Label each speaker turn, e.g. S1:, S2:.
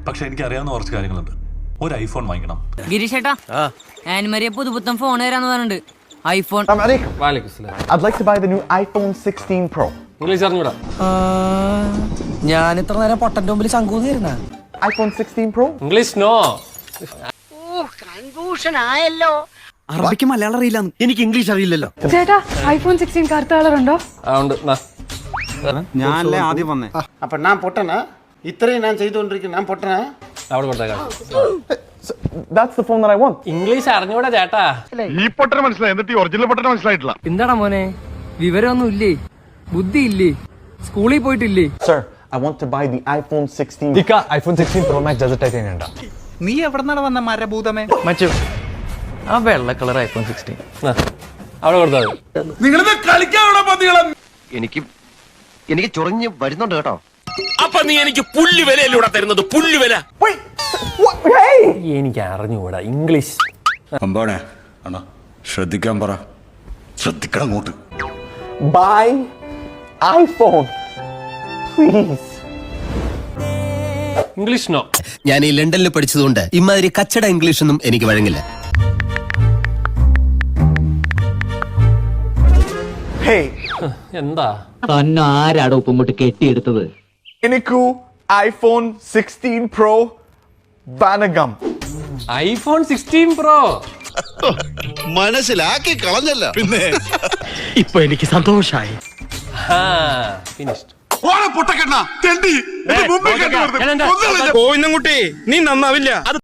S1: പക്ഷെ എനിക്ക് അറിയാവുന്ന കുറച്ച് കാര്യങ്ങളുണ്ട്. ഒരു ഐഫോൺ വാങ്ങിക്കണം.
S2: ഗിരീഷേട്ടാ, ആനിമരിയെ പുതുപുത്തൻ ഫോൺ തരാന്ന് പറഞ്ഞിട്ടുണ്ട്. IPhone.
S3: I'd like to buy the new iPhone 16 Pro.
S4: English അറിഞ്ഞൂടാ.
S5: ഞാൻ ഇത്ര നേരം പൊട്ടന്റെ മുമ്പിൽ ശങ്കൂന്നിരുന്ന
S3: iPhone 16 Pro?
S4: English no.
S2: Confusion ആയല്ലോ.
S5: അറബിക്ക് മലയാളം അറിയില്ല, എനിക്ക് ഇംഗ്ലീഷ് അറിയില്ലല്ലോ.
S6: ചേട്ടാ, ഐഫോൺ 16 കറുത്ത കളർ ഉണ്ടോ?
S4: ഉണ്ട്.
S5: ഞാനല്ലേ ആദ്യം വന്നേ.
S7: அப்ப நான் பொட்டனா இത്രയും நான் செய்து கொண்டிருக்கேன் நான் பொட்டனா
S4: അവിടെ കൊടുത്തേക്കാം.
S3: That's the phone that I want.
S4: English അറിഞ്ഞൂടാ ചേട്ടാ.
S8: ഈ പൊട്ടനെ മനസ്സിലായി, എന്നിട്ട് ഈ ഒറിജിനൽ പൊട്ടനെ മനസ്സിലായിട്ടില്ല.
S5: എന്താടാ മോനെ, വിവരമൊന്നും ഇല്ലേ, ബുദ്ധി ഇല്ലേ, സ്കൂളിൽ പോയിട്ടില്ലേ?
S3: Sir, I want to buy the iPhone 16.
S8: iPhone 16 Pro Max desert titanium ഉണ്ടാ.
S5: നീ എവിടെന്നാണ് വന്ന മരഭൂതമേ?
S9: മച്ചു, ആ വെള്ള കളർ ഐഫോൺ 16
S4: അവിടെ കൊടുത്തത്.
S8: നിങ്ങളിത് കളിക്കാനുള്ള പതികളെ
S9: എനിക്ക് ചൊറിഞ്ഞ് വരുന്നുണ്ട് കേട്ടോ.
S10: അപ്പൊ നീ എനിക്ക് പുല്ല് വിലയിലൂടെ തരുന്നത് പുല്ല് വില.
S3: Wait! What? Hey!
S4: എനിക്ക് അറിഞ്ഞൂടാ ഇംഗ്ലീഷ്.
S8: അമ്പാണേ അണ്ണാ ശ്രദ്ധിക്കാൻ പറ, ശ്രദ്ധിക്കണം അങ്ങോട്ട്.
S3: Buy iPhone. Please.
S4: English no.
S10: ഞാൻ ഈ ലണ്ടനിൽ പഠിച്ചതുകൊണ്ട് ഇമാതിരി കച്ചട ഇംഗ്ലീഷ് ഒന്നും എനിക്ക് വഴങ്ങില്ല.
S3: Hey,
S4: എന്താ
S9: തന്നെ ആരാടോ ഉപ്പം കൊണ്ട് കെട്ടിയെടുത്തത്?
S3: എനിക്കു iPhone 16 Pro Banagam.
S4: IPhone 16 pro
S10: മനസ്സിലാക്കി കളഞ്ഞല്ല. പിന്നെ
S9: ഇപ്പൊ എനിക്ക് സന്തോഷായി.
S4: ഫിനിഷ്ഡ്.
S8: പൊട്ടക്കെണ്ണ തെണ്ടി
S4: ഞാൻ എന്താ
S8: നീ നന്നാവില്ല.